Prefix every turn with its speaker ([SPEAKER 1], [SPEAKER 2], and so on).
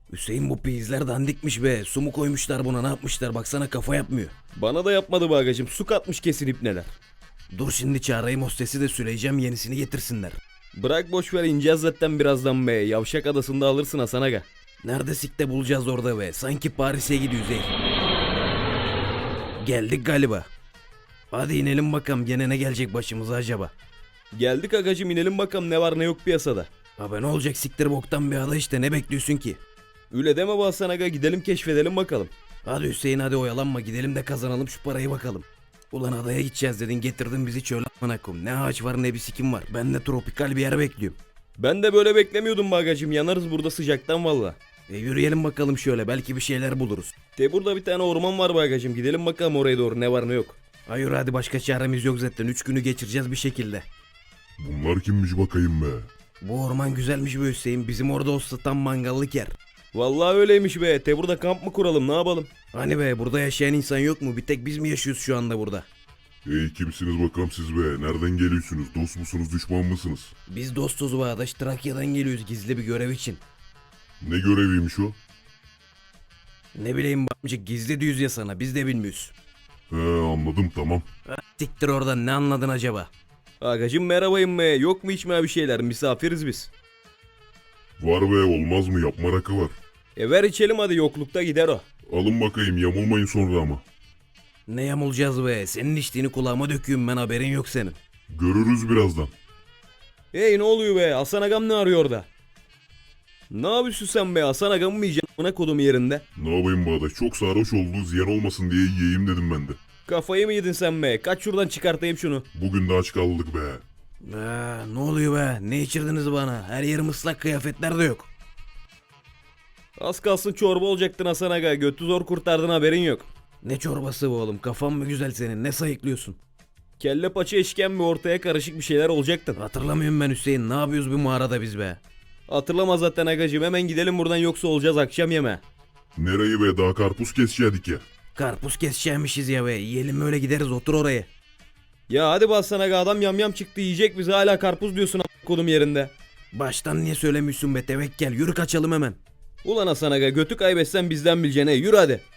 [SPEAKER 1] Hüseyin bu peyizler dandikmiş be. Su mu koymuşlar buna, ne yapmışlar, baksana kafa yapmıyor. Bana da yapmadı be agacım, su katmış kesin ipneler. Dur şimdi çağırayım hostesi de söyleyeceğim yenisini getirsinler. Bırak boş ver, ineceğiz zaten birazdan be. Yavşak Adası'nda alırsın Hasan aga. Nerede sikte bulacağız orada be. Sanki Paris'e gidiyoruz ey. Geldik galiba. Hadi inelim bakalım, gene ne gelecek başımıza acaba. Geldik agacım, inelim bakalım ne var ne yok piyasada. Abi ne olacak, siktir boktan bir ada işte, ne bekliyorsun ki? Öyle deme be Hasan aga, gidelim keşfedelim bakalım. Hadi Hüseyin hadi oyalanma, gidelim de kazanalım şu parayı bakalım. Ulan adaya gideceğiz dedin, getirdin bizi çöle amına koyayım. Ne ağaç var ne bir sikim var. Ben de tropikal bir yer bekliyorum. Ben de böyle beklemiyordum bagacım, yanarız burada sıcaktan valla. Yürüyelim bakalım şöyle, belki bir şeyler buluruz. Burada bir tane orman var bagacım, gidelim bakalım oraya doğru, ne var ne yok. Hayır hadi, başka çaremiz yok zaten, 3 günü geçireceğiz bir şekilde.
[SPEAKER 2] Bunlar kimmiş bakayım be?
[SPEAKER 1] Bu orman güzelmiş be Hüseyin, bizim orada olsa tam mangallık yer. Vallahi öyleymiş be, burada kamp mı kuralım ne yapalım? Hani be, burada yaşayan insan yok mu, bir tek biz mi yaşıyoruz şu anda burada?
[SPEAKER 2] Hey kimsiniz bakalım siz be? Nereden geliyorsunuz? Dost musunuz, düşman mısınız?
[SPEAKER 1] Biz dostuz be adaş, Trakya'dan geliyoruz gizli bir görev için.
[SPEAKER 2] Ne göreviymiş o?
[SPEAKER 1] Ne bileyim amcık, gizli diyoruz ya sana, biz de bilmiyoruz.
[SPEAKER 2] He anladım tamam.
[SPEAKER 1] Siktir oradan, ne anladın acaba? Agacım merhabayım be, yok mu içmeye bir şeyler, misafiriz biz.
[SPEAKER 2] Var be, olmaz mı, yapma rakı var.
[SPEAKER 1] Ver içelim hadi, yoklukta gider o.
[SPEAKER 2] Alın bakayım, yamulmayın sonra ama.
[SPEAKER 1] Ne yamulacağız be, senin içtiğini kulağıma döküyorum ben, haberin yok senin.
[SPEAKER 2] Görürüz birazdan.
[SPEAKER 1] Hey ne oluyor be, Hasan agam ne arıyor orada? Ne yapıyorsun sen be, Hasan agam mı yiyeceksin buna kodum yerinde?
[SPEAKER 2] Ne yapayım Bağdaş, çok sarhoş oldu, ziyan olmasın diye yiyeyim dedim ben de.
[SPEAKER 1] Kafayı mı yedin sen be, kaç şuradan çıkartayım şunu.
[SPEAKER 2] Bugün de aç kaldık be.
[SPEAKER 1] Ne oluyor be, ne içirdiniz bana, her yerim ıslak, kıyafetler de yok. Az kalsın çorba olacaktın Hasan aga, götü zor kurtardın, haberin yok. Ne çorbası bu oğlum, kafan mı güzel senin, ne sayıklıyorsun? Kelle paça işkembe, ortaya karışık bir şeyler olacaktın. Hatırlamıyorum ben Hüseyin, ne yapıyoruz bu mağarada biz be? Hatırlama zaten agacım, hemen gidelim buradan yoksa olacağız akşam yeme.
[SPEAKER 2] Nereyi be, daha karpuz kesecektik ya.
[SPEAKER 1] Karpuz keseceğimişiz ya be, yiyelim öyle gideriz, otur oraya. Ya hadi bassana aga, adam yamyam çıktı yiyecek bizi, hala karpuz diyorsun kodum yerinde. Baştan niye söylemiyorsun be tevekkel, yürü kaçalım hemen. Ulan Hasan aga, götü kaybetsen bizden bileceğine, yürü hadi.